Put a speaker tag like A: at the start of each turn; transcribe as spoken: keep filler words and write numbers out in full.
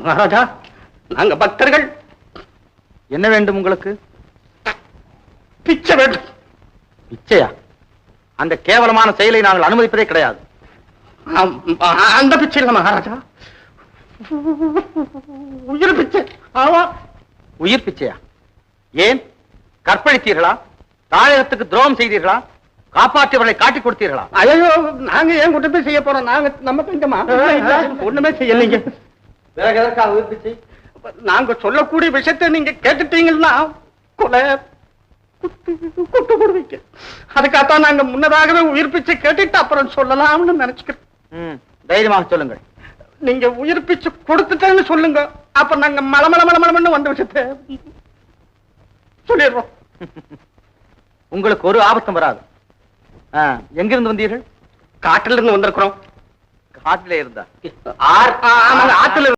A: மகாராஜா, நாங்க பக்தர்கள்.
B: என்ன வேண்டும் உங்களுக்கு?
A: பிச்சை வேண்டும்.
B: பிச்சையா? அந்த கேவலமான செயலை நாங்கள் அனுமதிப்பதே கிடையாது.
A: அந்த பிச்சை இல்ல மகாராஜா, உயிர் பிச்சை. ஆமா,
B: உயிர் பிச்சையா? ஏன்? கற்பழித்தீர்களா? தாயகத்துக்கு துரோகம் செய்தீர்களா? காப்பாற்றியவர்களை காட்டிக் கொடுத்தீர்களா?
A: ஐயோ, நாங்க ஏன் குற்றத்தை செய்ய போறோம்? நாங்க நம்ம தங்கமா ஒண்ணுமே செய்யலைங்க.
B: வேற எதற்காக உயிர் பிச்சை?
A: நாங்க சொல்லக்கூடிய விஷயத்தை நீங்க கேட்டுட்டீங்கன்னா கொலை குட்டு கொடுவீங்க. அதுக்காகத்தான் நாங்க முன்னதாகவே உயிர் பிச்சை கேட்டுட்டு அப்புறம் சொல்லலாம்னு நினைச்சுக்கிறோம்.
B: தைரியமாக சொல்லுங்கள்.
A: நீங்க உயிர் பிச்சை கொடுத்துட்டேன்னு சொல்லுங்க, அப்ப நாங்க மலமல மலமலன்னு வந்த விஷயத்தை சொல்லிடுறோம்.
B: உங்களுக்கு ஒரு ஆபத்தும் வராது. எங்கிருந்து வந்தீர்கள்?
A: காட்டில இருந்து வந்திருக்கிறோம்.
B: காட்டில இருந்தா?
A: ஆற்றுல